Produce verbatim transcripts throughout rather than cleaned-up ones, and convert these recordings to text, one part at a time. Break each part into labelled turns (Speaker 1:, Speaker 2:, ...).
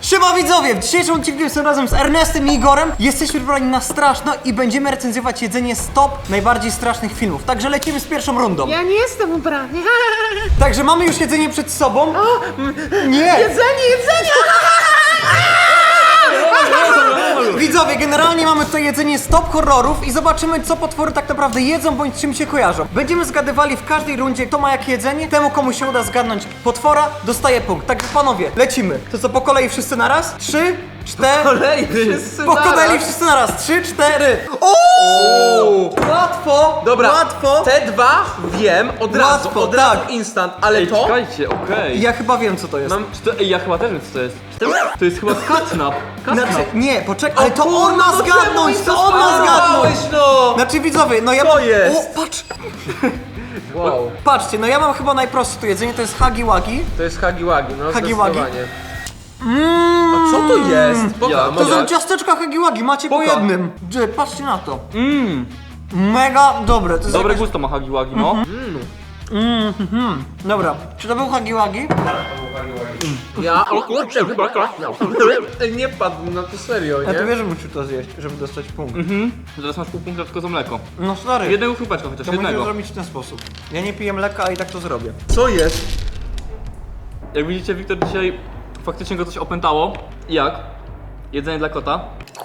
Speaker 1: Siema widzowie, w dzisiejszym odcinku jestem razem z Ernestem i Igorem. Jesteśmy wybrani na straszno i będziemy recenzjować jedzenie z top najbardziej strasznych filmów. Także lecimy z pierwszą rundą.
Speaker 2: Ja nie jestem ubrany.
Speaker 1: Także mamy już jedzenie przed sobą.
Speaker 2: O,
Speaker 1: Nie!
Speaker 2: jedzenie, jedzenie!
Speaker 1: Widzowie, generalnie mamy tutaj jedzenie z top horrorów i zobaczymy, co potwory tak naprawdę jedzą bądź czym się kojarzą. Będziemy zgadywali w każdej rundzie, kto ma jakie jedzenie. Temu, komu się uda zgadnąć potwora, dostaje punkt. Także panowie, lecimy. To co, po kolei wszyscy na raz? Trzy, cztery...
Speaker 3: Po kolei wszyscy
Speaker 1: Po
Speaker 3: naraz.
Speaker 1: kolei wszyscy na raz. Trzy, cztery... Ooo! Łatwo!
Speaker 3: Dobra,
Speaker 1: Łatwo!
Speaker 3: te dwa wiem od razu,
Speaker 1: Łatwo,
Speaker 3: od razu
Speaker 1: tak.
Speaker 3: instant, ale
Speaker 4: Ej,
Speaker 3: to...
Speaker 4: czekajcie, okej.
Speaker 1: Ja chyba wiem, co to jest.
Speaker 3: Mam...
Speaker 4: Czy to, ej, ja chyba też wiem, co to jest. To jest chyba catnap. Catnap.
Speaker 1: Znaczy, nie, poczekaj, ale to
Speaker 3: kurwa,
Speaker 1: on ma
Speaker 3: no
Speaker 1: zgadnąć,
Speaker 3: czemu
Speaker 1: to
Speaker 3: mi
Speaker 1: on ma
Speaker 3: zasmarowałeś,
Speaker 1: zgadnąć!
Speaker 3: no!
Speaker 1: Znaczy widzowie, no ja
Speaker 3: Co
Speaker 1: mam...
Speaker 3: jest?
Speaker 1: O, patrz!
Speaker 3: Wow.
Speaker 1: Patrzcie, no ja mam chyba najprostsze tu jedzenie, to jest hagi wagi.
Speaker 3: To jest hagi wagi, no
Speaker 1: Hagi wagi.
Speaker 3: zdecydowanie.
Speaker 1: Mm,
Speaker 3: A co to jest? Poka,
Speaker 4: Ja-
Speaker 1: To
Speaker 3: może-
Speaker 1: są ciasteczka hagi wagi, macie po
Speaker 3: Poka.
Speaker 1: jednym. Dże, patrzcie na to.
Speaker 4: Mmm,
Speaker 1: Mega dobre, to jest
Speaker 4: dobre
Speaker 1: jakaś...
Speaker 4: gusto ma hagi wagi, no.
Speaker 1: Dobra, czy to był hagi wagi?
Speaker 3: Ja... O kurczę, chyba Ej, nie padł na to serio,
Speaker 1: Ja to
Speaker 3: nie?
Speaker 1: wiesz, że muszę to zjeść, żeby dostać punkt.
Speaker 4: Mhm. Teraz masz pół punkta tylko za mleko.
Speaker 1: No stary,
Speaker 4: Jednego chrupeczka chociaż,
Speaker 1: to musisz
Speaker 4: jednego.
Speaker 1: zrobić w ten sposób. Ja nie piję mleka, a i tak to zrobię.
Speaker 3: Co jest?
Speaker 4: Jak widzicie, Wiktor dzisiaj faktycznie go coś opętało. Jak? Jedzenie dla kota.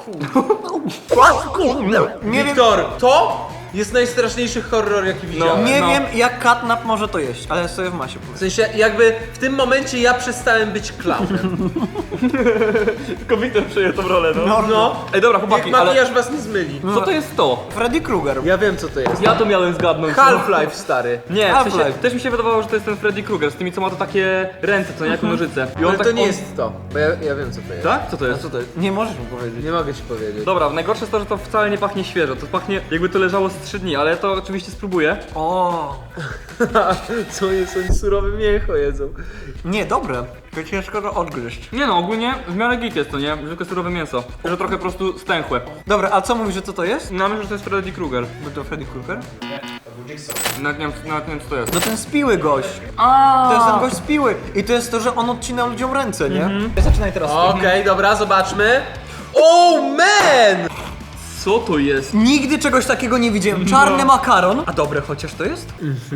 Speaker 1: Nie wiem,
Speaker 3: Wiktor, to jest najstraszniejszy horror, jaki widziałem.
Speaker 1: nie
Speaker 4: no.
Speaker 1: wiem jak catnap może to jeść, ale sobie w masie powiem.
Speaker 3: W sensie, jakby w tym momencie ja przestałem być klaunem.
Speaker 4: Tylko Wiktor przejął tą rolę, no.
Speaker 1: No, no.
Speaker 4: Ej, dobra,
Speaker 3: Niech
Speaker 4: chłopaki, ale
Speaker 3: makijaż was nie zmyli.
Speaker 4: co to jest to?
Speaker 1: Freddy Krueger.
Speaker 3: Ja wiem, co to jest.
Speaker 4: Ja to miałem zgadnąć. no.
Speaker 3: Half-Life, stary.
Speaker 4: Nie, w sensie,
Speaker 1: Half-Life.
Speaker 4: też mi się wydawało, że to jest ten Freddy Krueger z tymi, co ma to takie ręce, co nie, jak nożyce. I
Speaker 3: Ale
Speaker 4: tak-
Speaker 3: to nie
Speaker 4: on-
Speaker 3: jest to, bo ja, ja wiem, co to jest.
Speaker 4: Tak? Co to jest?
Speaker 1: Co to jest? Nie możesz mu powiedzieć.
Speaker 3: Nie mogę ci powiedzieć.
Speaker 4: Dobra, najgorsze jest to, że to wcale nie pachnie świeżo, to pachnie jakby to leżało z trzy dni, ale to oczywiście spróbuję.
Speaker 1: O,
Speaker 3: Co jest, oni surowe mięcho jedzą.
Speaker 1: nie, dobre. To ciężko to odgryźć.
Speaker 4: Nie no, ogólnie w miarę git jest to, nie? Zwykłe surowe mięso, że trochę po prostu stęchłe.
Speaker 1: Dobra, a co mówisz, że co to jest?
Speaker 4: No myślę, że to jest Freddy Krueger.
Speaker 1: Bo to Freddy Krueger?
Speaker 4: Nawet nie wiem, nawet nie wiem co to jest.
Speaker 1: No ten spiły gość.
Speaker 4: A,
Speaker 1: To jest ten gość spiły. I to jest to, że on odcina ludziom ręce, nie? Zaczynaj teraz.
Speaker 3: Okej, dobra, zobaczmy. Oh man!
Speaker 4: Co to jest?
Speaker 1: Nigdy czegoś takiego nie widziałem. Czarny makaron. A dobre chociaż to jest?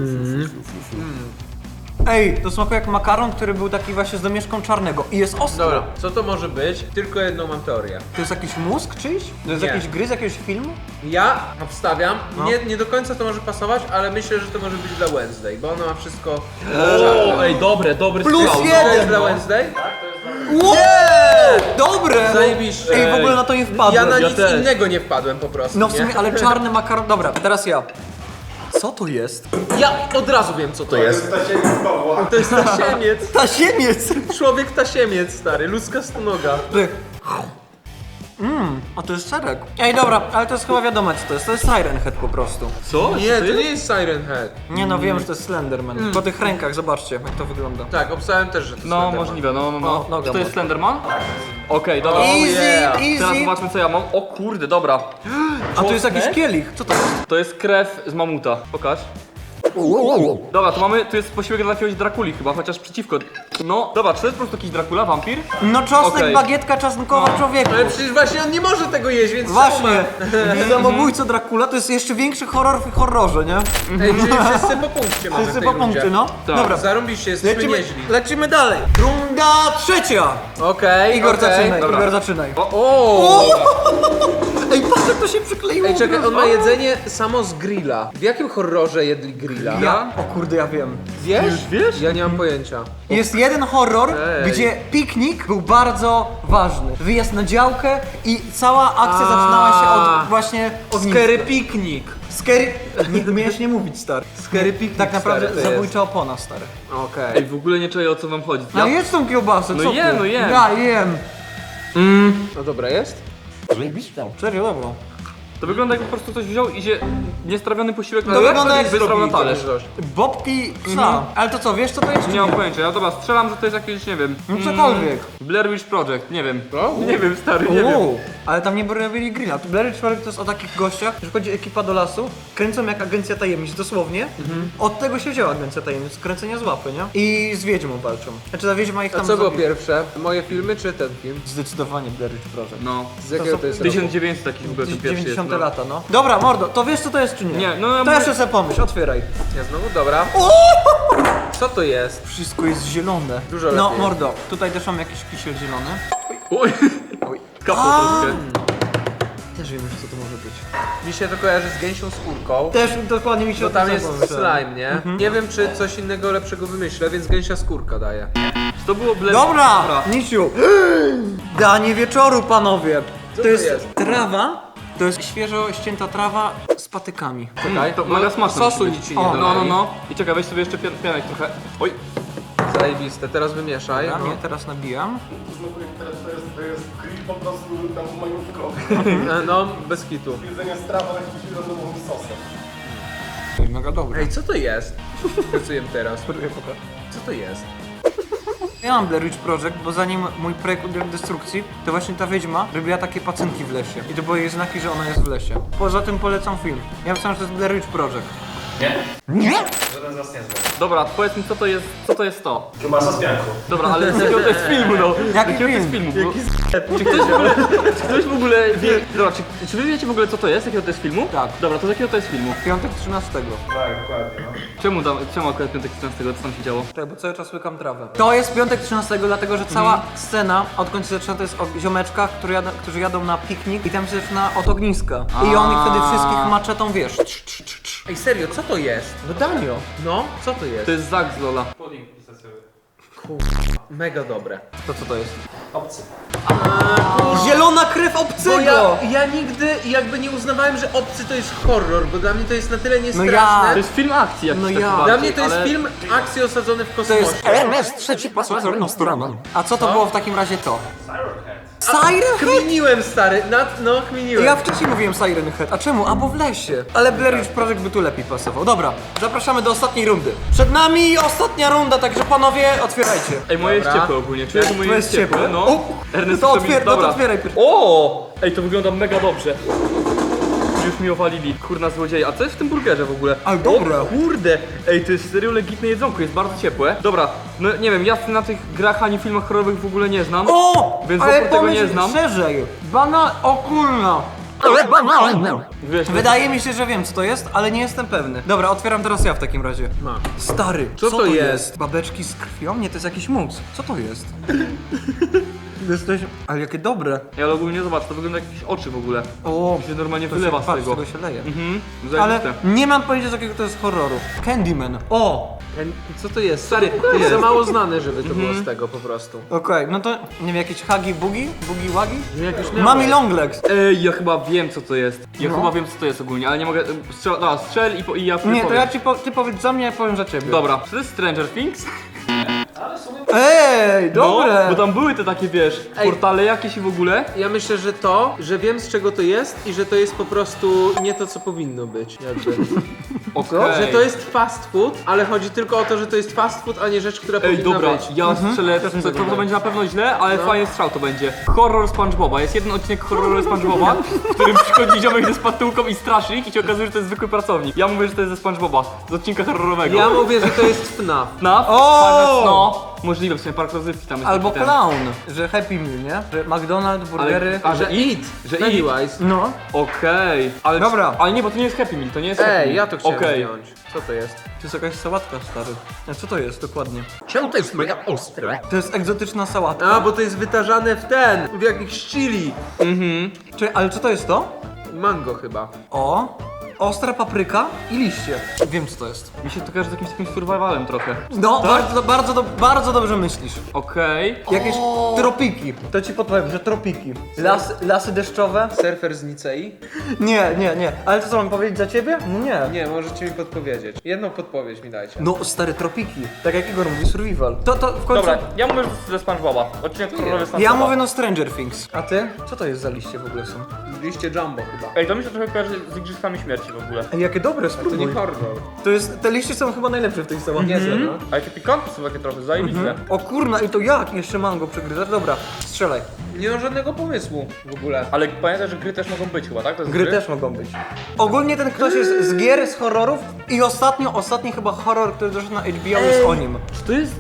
Speaker 1: Ej, to smakuje jak makaron, który był taki właśnie z domieszką czarnego i jest ostry.
Speaker 3: Dobra, co to może być? Tylko jedną mam teorię.
Speaker 1: To jest jakiś mózg czyjś? To jest
Speaker 3: Nie.
Speaker 1: jakiś gry z jakiegoś filmu?
Speaker 3: Ja obstawiam,
Speaker 1: No.
Speaker 3: nie, nie do końca to może pasować, ale myślę, że to może być dla Wednesday, bo ona ma wszystko
Speaker 4: O,
Speaker 3: czarne.
Speaker 4: ej, dobre, dobry
Speaker 1: Plus
Speaker 4: strzał.
Speaker 1: jeden.
Speaker 3: To jest dla
Speaker 4: no.
Speaker 3: Wednesday?
Speaker 1: Wow! Dobre!
Speaker 3: Zajebiście.
Speaker 1: Ej, w ogóle na to nie wpadłem.
Speaker 3: Ja na
Speaker 4: Ja
Speaker 3: nic
Speaker 4: też.
Speaker 3: innego nie wpadłem po prostu,
Speaker 1: No w
Speaker 3: nie?
Speaker 1: sumie, ale czarny makaron... Dobra, teraz ja. Co to jest?
Speaker 3: Ja od razu wiem, co to jest. To jest tasiemiec.
Speaker 1: Tasiemiec!
Speaker 3: Człowiek tasiemiec, stary, ludzka stonoga.
Speaker 1: Ty. Mmm, a to jest serek. Ej, dobra, ale to jest chyba wiadomo co to jest. To jest Siren Head po prostu.
Speaker 4: Co?
Speaker 3: Nie, to nie jest Siren Head.
Speaker 1: Nie no, wiem, że to jest Slenderman. Po tych rękach, zobaczcie jak to wygląda.
Speaker 3: Tak, obstałem też, że to
Speaker 4: No,
Speaker 3: Slenderman.
Speaker 4: możliwe, no, no,
Speaker 1: O,
Speaker 4: no.
Speaker 1: noga
Speaker 4: Czy to jest
Speaker 1: może.
Speaker 4: Slenderman? Okej, dobra.
Speaker 3: Oh,
Speaker 1: Easy,
Speaker 3: yeah.
Speaker 4: Teraz
Speaker 1: easy.
Speaker 4: zobaczmy co ja mam. O kurde, dobra.
Speaker 1: A tu jest jakiś
Speaker 4: Czosnek?
Speaker 1: kielich. Co to jest?
Speaker 4: To jest krew z mamuta. Pokaż. Dobra, to mamy, tu jest posiłek dla jakiegoś Drakuli chyba, chociaż przeciwko. No, dobra, czy to jest po prostu jakiś Dracula, wampir?
Speaker 1: No czosnek,
Speaker 4: Okej.
Speaker 1: bagietka czosnkowa człowieku.
Speaker 3: Ale przecież właśnie on nie może tego jeść, więc
Speaker 1: Właśnie. Samobójco Dracula to jest jeszcze większy horror w horrorze, nie?
Speaker 3: Ej, czyli wszyscy po punkcie mamy
Speaker 1: Wszyscy
Speaker 3: w tej
Speaker 1: po punkcie,
Speaker 3: rundzie.
Speaker 1: no.
Speaker 4: Tak.
Speaker 1: Dobra,
Speaker 3: Zarąbiście, jesteśmy
Speaker 1: lecimy,
Speaker 3: nieźli.
Speaker 1: lecimy dalej. Runda trzecia.
Speaker 3: Okej,
Speaker 1: Igor
Speaker 3: okej.
Speaker 1: zaczynaj,
Speaker 4: Dobra.
Speaker 1: Igor zaczynaj.
Speaker 3: O, o.
Speaker 1: Ej, patrz jak to się przykleiło.
Speaker 3: Ej, czekaj,
Speaker 1: od
Speaker 3: on ma
Speaker 1: razu.
Speaker 3: jedzenie samo z grilla. W jakim horrorze jedli grilla?
Speaker 1: Ja? O kurde, ja wiem.
Speaker 3: Wiesz?
Speaker 4: Już wiesz?
Speaker 3: Ja nie mam pojęcia.
Speaker 1: Jest jeden horror,
Speaker 3: Ej.
Speaker 1: gdzie piknik był bardzo ważny. Wyjazd na działkę i cała akcja
Speaker 3: A.
Speaker 1: zaczynała się od właśnie ogniska.
Speaker 3: Scary Picnic.
Speaker 1: Scary... Nie miałeś nie mówić, stary.
Speaker 3: Scary Picnic,
Speaker 1: Tak naprawdę
Speaker 3: stary, to
Speaker 1: zabójcza opona, stary.
Speaker 3: Okej.
Speaker 4: Ej, w ogóle nie czuję o co wam chodzi.
Speaker 1: No jedz tą kiełbasę,
Speaker 4: No
Speaker 1: co
Speaker 4: jem,
Speaker 1: ty?
Speaker 4: no jem.
Speaker 1: Ja jem.
Speaker 3: No dobra, jest?
Speaker 1: Serio, dobra.
Speaker 4: To wygląda jakby po prostu coś wziął i się niestrawiony posiłek
Speaker 1: To wygląda jak
Speaker 4: wysrał na talerz.
Speaker 1: Bobki psa. Ale to co, wiesz co to jest? czy
Speaker 4: Nie mam pojęcia, ja dobra, strzelam, że to jest jakieś, nie wiem,
Speaker 1: No cokolwiek.
Speaker 4: Blair Witch Project, nie wiem.
Speaker 3: Co?
Speaker 4: Nie wiem, stary, nie wiem.
Speaker 1: Uuu. ale tam nie robili grilla. Tu Blair Witch Project to jest o takich gościach, że chodzi ekipa do lasu, kręcą jak agencja tajemnic, dosłownie. Mhm. Od tego się wzięła agencja tajemnic, z kręcenia z łapy, nie? I z wiedźmą walczą. Znaczy ta wiedźma ich
Speaker 3: A
Speaker 1: tam
Speaker 3: co było
Speaker 1: zabi-
Speaker 3: pierwsze? Moje filmy czy ten film?
Speaker 1: Zdecydowanie Blair Witch Project.
Speaker 4: No.
Speaker 3: Z jakiego
Speaker 1: są
Speaker 3: to jest roku?
Speaker 4: tysiąc dziewięćset taki w ogóle ten pierwszy jest.
Speaker 1: dziewięćdziesiąte
Speaker 4: No.
Speaker 1: lata, no. Dobra, mordo, to wiesz co to jest czy nie?
Speaker 4: Nie, no ja
Speaker 1: To
Speaker 4: mówię-
Speaker 1: jeszcze sobie pomyśl, otwieraj.
Speaker 3: Ja znowu, dobra. Co to jest?
Speaker 1: Wszystko jest zielone.
Speaker 3: Dużo
Speaker 1: No,
Speaker 3: lepiej.
Speaker 1: mordo, tutaj też mam jakiś kisiel zielony.
Speaker 4: Oj,
Speaker 1: Oj.
Speaker 4: kapło
Speaker 1: A!
Speaker 4: troszkę.
Speaker 1: Też wiem już co to może być.
Speaker 3: Mi się to kojarzy z gęsią skórką.
Speaker 1: Też dokładnie mi się
Speaker 3: Bo
Speaker 1: o
Speaker 3: tam
Speaker 1: tym
Speaker 3: jest
Speaker 1: pomyślałem.
Speaker 3: slime, nie? Nie wiem, czy coś innego lepszego wymyślę, więc gęsia skórka daje.
Speaker 4: To było ble...
Speaker 1: Dobra, Niciu. Danie wieczoru, panowie.
Speaker 3: Co
Speaker 1: to
Speaker 3: to
Speaker 1: jest,
Speaker 3: jest?
Speaker 1: trawa. To jest świeżo ścięta trawa z patykami.
Speaker 4: Czekaj, to mega smaczne.
Speaker 3: Sosu
Speaker 4: musi być.
Speaker 3: nic ci nie
Speaker 1: O,
Speaker 4: No, no,
Speaker 3: dodali.
Speaker 4: no. I czekaj, weź sobie jeszcze pian- pianek trochę. Oj.
Speaker 3: Zajebiste, teraz wymieszaj.
Speaker 1: Ja
Speaker 3: No.
Speaker 1: mnie teraz nabijam.
Speaker 5: To jest, to jest grill po prostu tam majutko.
Speaker 3: E, No, bez kitu.
Speaker 5: Jedzenie strawa jakimś randomowym sosem.
Speaker 1: Mega dobre.
Speaker 3: Ej, co to jest? Pracujemy teraz. Co to jest?
Speaker 1: Ja mam Blair Witch Project, bo zanim mój projekt uległ destrukcji, to właśnie ta wiedźma robiła takie pacynki w lesie. I to były jej znaki, że ona jest w lesie. Poza tym polecam film. Ja myślałem, że to jest Blair Witch Project.
Speaker 4: Dobra, powiedz mi co to jest, co to jest to?
Speaker 5: Kiełbasa z pianką.
Speaker 4: Dobra, ale z jakiego to jest filmu, no? Z
Speaker 1: Jaki
Speaker 4: jakiego to jest
Speaker 1: film?
Speaker 4: filmu? Bo... Czy ktoś w ogóle, czy ktoś w ogóle wie... Dobra, czy, czy wy wiecie w ogóle co to jest? Jakiego to jest filmu?
Speaker 1: Tak.
Speaker 4: Dobra, to z jakiego to jest filmu?
Speaker 1: Piątek trzynastego.
Speaker 5: Tak, dokładnie. No.
Speaker 4: Czemu, tam, czemu akurat piątek trzynastego, co tam się działo?
Speaker 1: Tak, bo cały czas łykam trawę. To jest piątek trzynastego, dlatego że cała scena, odkąd się zaczyna, to jest o ziomeczkach, którzy jadą, którzy jadą na piknik i tam się zaczyna od ogniska. I on ich wtedy wszystkich maczetą, wiesz. Trz, trz, trz, trz.
Speaker 3: Ej, serio, co to jest?
Speaker 1: No Danio.
Speaker 3: No, co to jest?
Speaker 4: To jest Zak z Lola.
Speaker 3: Mega dobre.
Speaker 1: To co to jest?
Speaker 5: Obcy.
Speaker 1: Zielona krew
Speaker 3: Bo
Speaker 1: obcego!
Speaker 3: ja, ja nigdy jakby nie uznawałem, że Obcy to jest horror, bo dla mnie to jest na tyle niestraszne.
Speaker 1: ja-
Speaker 4: To jest film akcji jakiś
Speaker 1: No
Speaker 4: taki
Speaker 1: ja.
Speaker 4: bardziej,
Speaker 3: Dla mnie to jest
Speaker 4: ale...
Speaker 3: film akcji osadzony w
Speaker 1: To
Speaker 3: kosmosie.
Speaker 1: jest Ernest trzeci A co to było w takim razie to? Siren Head?
Speaker 3: Kminiłem, stary, nad, no kminiłem.
Speaker 1: Ja wcześniej mówiłem Siren Head. A czemu? A bo w lesie. Ale Blair Witch Project by tu lepiej pasował. Dobra, zapraszamy do ostatniej rundy. Przed nami ostatnia runda, także panowie, otwierajcie.
Speaker 4: Ej, moje jest
Speaker 3: Dobra.
Speaker 4: ciepłe ogólnie, czuję, że moje
Speaker 1: To
Speaker 4: jest
Speaker 1: jest
Speaker 4: ciepłe,
Speaker 1: ciepłe.
Speaker 4: no.
Speaker 1: O,
Speaker 4: Ernest
Speaker 1: to
Speaker 4: chce mi-
Speaker 1: otwier- no to
Speaker 4: dobra.
Speaker 1: otwieraj pierwszy.
Speaker 4: O! Ej, to wygląda mega dobrze. Już mi owalili, kurna złodzieje. A co jest w tym burgerze w ogóle?
Speaker 1: Ale dobre.
Speaker 4: O kurde! Ej, to jest serio legitne jedzonko, jest bardzo ciepłe. Dobra, no nie wiem, ja na tych grach ani filmach horrorowych w ogóle nie znam.
Speaker 1: O!
Speaker 4: Więc
Speaker 1: ale
Speaker 4: wokół tego
Speaker 1: pomyśl
Speaker 4: nie znam.
Speaker 1: szerzej. Bana... O kurna. Ale banalne.
Speaker 4: Wiesz,
Speaker 1: Wydaje mi się, że wiem co to jest, ale nie jestem pewny. Dobra, otwieram teraz ja w takim razie.
Speaker 3: Mam.
Speaker 1: Stary,
Speaker 3: Co to jest?
Speaker 1: Babeczki z krwią? Nie, to jest jakiś mus. Co to jest? Jesteś... Ale jakie dobre.
Speaker 4: Ja ale ogólnie zobacz, to wygląda jak jakieś oczy w ogóle.
Speaker 1: O,
Speaker 4: To się normalnie
Speaker 1: to
Speaker 4: wylewa
Speaker 1: się,
Speaker 4: z
Speaker 1: patrz,
Speaker 4: tego.
Speaker 1: z tego się leje.
Speaker 4: Mhm,
Speaker 1: Ale
Speaker 4: zajebiste.
Speaker 1: nie mam pojęcia z jakiego to jest horroru. Candyman. O!
Speaker 3: Co to jest? Stary, to jest za mało znane, żeby to było z tego po prostu.
Speaker 1: Okej, no to nie wiem, jakieś hagi bugi? Bugi wagi?
Speaker 3: Jak już miałem.
Speaker 1: Mami Longlegs.
Speaker 4: Ej, ja chyba wiem co to jest. Ja
Speaker 1: No.
Speaker 4: chyba wiem co to jest ogólnie, ale nie mogę... Strzel, dobra, strzel i, po, i ja
Speaker 1: Nie,
Speaker 4: powiem.
Speaker 1: to ja ci po, ty powiedz za mnie, ja powiem za ciebie.
Speaker 4: Dobra, czy to jest Stranger Things?
Speaker 1: Ej, dobre!
Speaker 4: No, bo tam były te takie, wiesz,
Speaker 3: Ej.
Speaker 4: portale jakieś i w ogóle.
Speaker 3: Ja myślę, że to, że wiem z czego to jest i że to jest po prostu nie to, co powinno być. Jakby.
Speaker 4: Okej.
Speaker 3: Że to jest fast food, ale chodzi tylko o to, że to jest fast food, a nie rzecz, która
Speaker 4: Ej,
Speaker 3: powinna
Speaker 4: dobra,
Speaker 3: być.
Speaker 4: ja strzelę, to,
Speaker 1: mi
Speaker 4: to,
Speaker 1: tak
Speaker 4: to,
Speaker 1: wydaje.
Speaker 4: będzie na pewno źle, ale
Speaker 3: No.
Speaker 4: fajny strzał to będzie. Horror SpongeBoba, jest jeden odcinek horroru SpongeBoba, w którym przychodzi ziomek ze spatułką i straszy ich i się okazuje, że to jest zwykły pracownik. Ja mówię, że to jest ze SpongeBoba, z odcinka horrorowego.
Speaker 3: Ja mówię, że to jest F N A F.
Speaker 4: Na?
Speaker 1: O!
Speaker 4: No, możliwe, w sumie park rozrywki tam jest.
Speaker 1: Albo
Speaker 4: taki ten.
Speaker 1: clown, że Happy Meal, nie? Że McDonald's, burgery.
Speaker 4: A,
Speaker 3: Że
Speaker 4: że
Speaker 3: Eat,
Speaker 4: że
Speaker 3: Pennywise.
Speaker 1: No.
Speaker 4: Okej, ale...
Speaker 1: Dobra.
Speaker 4: Ale nie, bo to nie jest Happy Meal, to nie jest Happy Meal.
Speaker 3: Ej, ja to chciałem
Speaker 4: Okej.
Speaker 3: zdjąć. Co to jest?
Speaker 1: To jest jakaś sałatka, stary. A co to jest dokładnie?
Speaker 5: Czemu to jest mega ostre?
Speaker 1: To jest egzotyczna sałatka.
Speaker 3: A, bo to jest wytarzane w ten, w jakichś chili.
Speaker 1: Czy, ale co to jest to?
Speaker 3: Mango chyba.
Speaker 1: O, ostra papryka i liście. Wiem co to jest.
Speaker 4: Mi się to kojarzy z jakimś takim survivalem trochę.
Speaker 1: No, bardzo, bardzo, do, bardzo dobrze myślisz.
Speaker 4: Okej.
Speaker 1: Jakieś tropiki. To ci podpowiem, że tropiki. Las, lasy deszczowe?
Speaker 3: Surfer z Nicei?
Speaker 1: Nie, nie, nie. Ale to co, mam powiedzieć za ciebie? No nie.
Speaker 3: Nie, możecie mi podpowiedzieć. Jedną podpowiedź mi dajcie.
Speaker 1: No, stare tropiki. Tak jak Igor mówi, survival. To, to w końcu...
Speaker 4: Dobra, ja mówię że ze SpongeBoba. Odcinek horrorowy SpongeBoba.
Speaker 1: Ja mówię no Stranger Things. A ty? Co to jest za liście w ogóle są?
Speaker 3: Liście Jumbo chyba.
Speaker 4: Ej, to mi się trochę kojarzy z Igrzyskami Śmierci w ogóle.
Speaker 1: Ej, jakie dobre,
Speaker 3: To
Speaker 1: spróbuj.
Speaker 3: nie horror.
Speaker 1: To jest, te liście są chyba najlepsze w tej sałatce.
Speaker 3: Niezłe, no.
Speaker 4: A jakie pikantne są takie trochę, zajebiste.
Speaker 1: O kurna, i to jak? Jeszcze mango przegryzasz? Dobra, strzelaj.
Speaker 3: Nie mam żadnego pomysłu w ogóle.
Speaker 4: Ale pamiętaj, że gry też mogą być chyba, tak? To jest
Speaker 1: Gry też mogą być. Ogólnie ten ktoś jest z gier, z horrorów i ostatnio, ostatni chyba horror, który doszedł na H B O jest o nim.
Speaker 4: Czy to jest...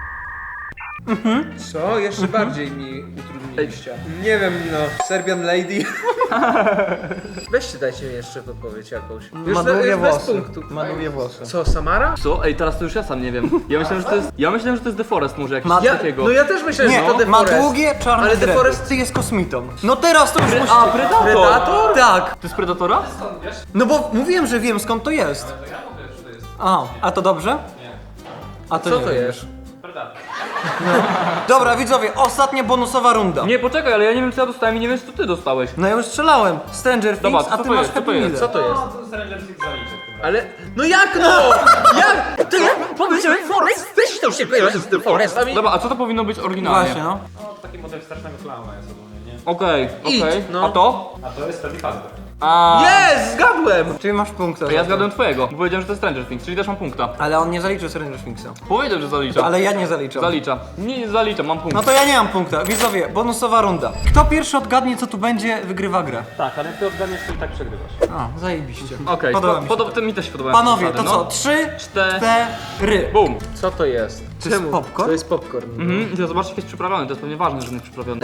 Speaker 3: Co? Jeszcze bardziej mi utrudniliście. Nie wiem, no. Serbian Lady. Weźcie, dajcie mi jeszcze podpowiedź jakąś. Już,
Speaker 1: Ma
Speaker 3: be-
Speaker 1: długie
Speaker 3: już bez
Speaker 1: włosy.
Speaker 3: punktu.
Speaker 1: Ma długie włosy.
Speaker 3: Co, Samara?
Speaker 4: Co? Ej, teraz to już ja sam nie wiem. Ja myślałem, że to jest... Ja myślałem, że to jest The Forest może jakiś
Speaker 1: Ma-
Speaker 3: Ja,
Speaker 4: takiego.
Speaker 3: no ja też myślałem,
Speaker 1: Nie,
Speaker 3: że to The
Speaker 1: ma
Speaker 3: Forest.
Speaker 1: długie, czarne
Speaker 3: Ale The
Speaker 1: dredy.
Speaker 3: Forest-
Speaker 1: Ty jest kosmitą. No teraz to już musicie...
Speaker 4: A, Predator!
Speaker 3: Predator?
Speaker 1: Tak.
Speaker 4: To jest Predatora?
Speaker 1: No bo mówiłem, że wiem skąd to jest. A, a to dobrze? A to
Speaker 3: Co
Speaker 1: nie
Speaker 3: to
Speaker 1: wiem.
Speaker 3: jest?
Speaker 1: Dobra, widzowie, ostatnia bonusowa runda.
Speaker 4: Nie, poczekaj, ale ja nie wiem co ja dostałem i nie wiem co ty dostałeś.
Speaker 1: No ja już strzelałem. Stranger
Speaker 4: Dobra,
Speaker 1: Things,
Speaker 4: co
Speaker 1: a
Speaker 4: to
Speaker 1: ty masz
Speaker 4: jest? Co to
Speaker 1: Happy
Speaker 4: jest?
Speaker 1: Meal.
Speaker 3: Co to jest?
Speaker 5: Stranger Things zaliczę.
Speaker 3: Ale... No jak no? Jak? Ty powiedziałeś Forest? Też to się kojarzy z tym Forestami.
Speaker 4: Dobra, a co to powinno być oryginalnie?
Speaker 1: Właśnie, no.
Speaker 5: No, taki model strasznego klauna jest ogólnie, nie?
Speaker 4: Okej,
Speaker 3: Idź,
Speaker 4: okej.
Speaker 3: no.
Speaker 4: A to?
Speaker 5: A to jest Freddy Fazbear.
Speaker 4: A.
Speaker 3: Jest! Zgadłem!
Speaker 1: Czyli masz punkta.
Speaker 4: To
Speaker 1: za
Speaker 4: ja
Speaker 1: to.
Speaker 4: zgadłem twojego, bo powiedziałem, że to jest Stranger Things, czyli też mam punkta.
Speaker 1: Ale on nie zaliczył Stranger Thingsa.
Speaker 4: Powiedział, że zalicza.
Speaker 1: Ale ja nie zaliczam.
Speaker 4: Zalicza. Nie, nie zalicza, mam punkt.
Speaker 1: No to ja nie mam punkta. Widzowie, bonusowa runda. Kto pierwszy odgadnie, co tu będzie, wygrywa grę.
Speaker 5: Tak, ale jak ty odgadniesz, to i tak przegrywasz.
Speaker 1: A, zajebiście.
Speaker 4: Okej,
Speaker 1: Podoba
Speaker 4: po,
Speaker 1: mi się
Speaker 4: podoba, to mi też się podoba.
Speaker 1: Panowie, to
Speaker 4: zasady,
Speaker 1: co?
Speaker 4: no.
Speaker 1: Trzy,
Speaker 4: Cztery.
Speaker 1: cztery.
Speaker 4: Bum.
Speaker 3: Co to jest?
Speaker 1: To jest popcorn?
Speaker 3: To jest popcorn.
Speaker 4: Mhm, i zobaczcie jak jest przyprawiony, to jest pewnie ważne, że on jest przyprawiony.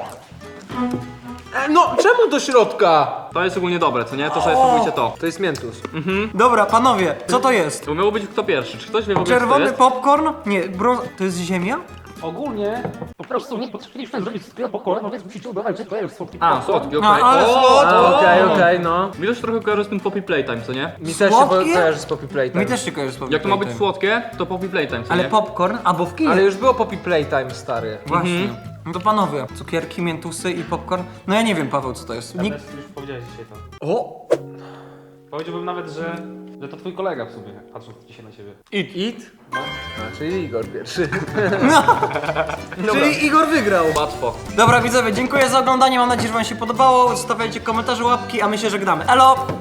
Speaker 3: E, no, czemu do środka?
Speaker 4: To jest ogólnie dobre, co nie? To sobie spróbujcie to.
Speaker 3: To jest miętus.
Speaker 1: Dobra, panowie, co to jest?
Speaker 4: To miało być kto pierwszy, czy ktoś wie w ogóle co to
Speaker 1: Czerwony
Speaker 4: jest?
Speaker 1: popcorn? Nie, brąz... To jest ziemia?
Speaker 5: Ogólnie po prostu nie potrafiliśmy zrobić wszystkiego po kolei, więc musicie udawać, że to jest słodki
Speaker 4: A,
Speaker 5: popcorn.
Speaker 4: słodki, okej.
Speaker 1: A, ale
Speaker 4: O,
Speaker 1: słodko.
Speaker 3: Okej, okej, no.
Speaker 4: Mi to się trochę kojarzy z tym Poppy Playtime, co nie?
Speaker 3: Mi też się
Speaker 1: Słodkie?
Speaker 3: kojarzy z Poppy Playtime.
Speaker 1: Mi też się kojarzy z Poppy
Speaker 4: Jak to ma być
Speaker 1: Playtime.
Speaker 4: słodkie, to Poppy Playtime, co
Speaker 1: Ale
Speaker 4: nie?
Speaker 1: popcorn? Albo w kinie.
Speaker 3: Ale już było Poppy Playtime, stary.
Speaker 1: Właśnie. No to panowie, cukierki, miętusy i popcorn. No ja nie wiem, Paweł, co to jest. Nikt...
Speaker 5: Ernest, już powiedziałeś dzisiaj to.
Speaker 3: O!
Speaker 5: Powiedziałbym nawet, że, że to twój kolega w sumie, patrząc dzisiaj na ciebie.
Speaker 3: It? It? No. A, czyli Igor pierwszy.
Speaker 1: Czyli Igor wygrał.
Speaker 4: Łatwo.
Speaker 1: Dobra widzowie, dziękuję za oglądanie, mam nadzieję, że wam się podobało. Zostawiajcie komentarze, łapki, a my się żegnamy. Elo!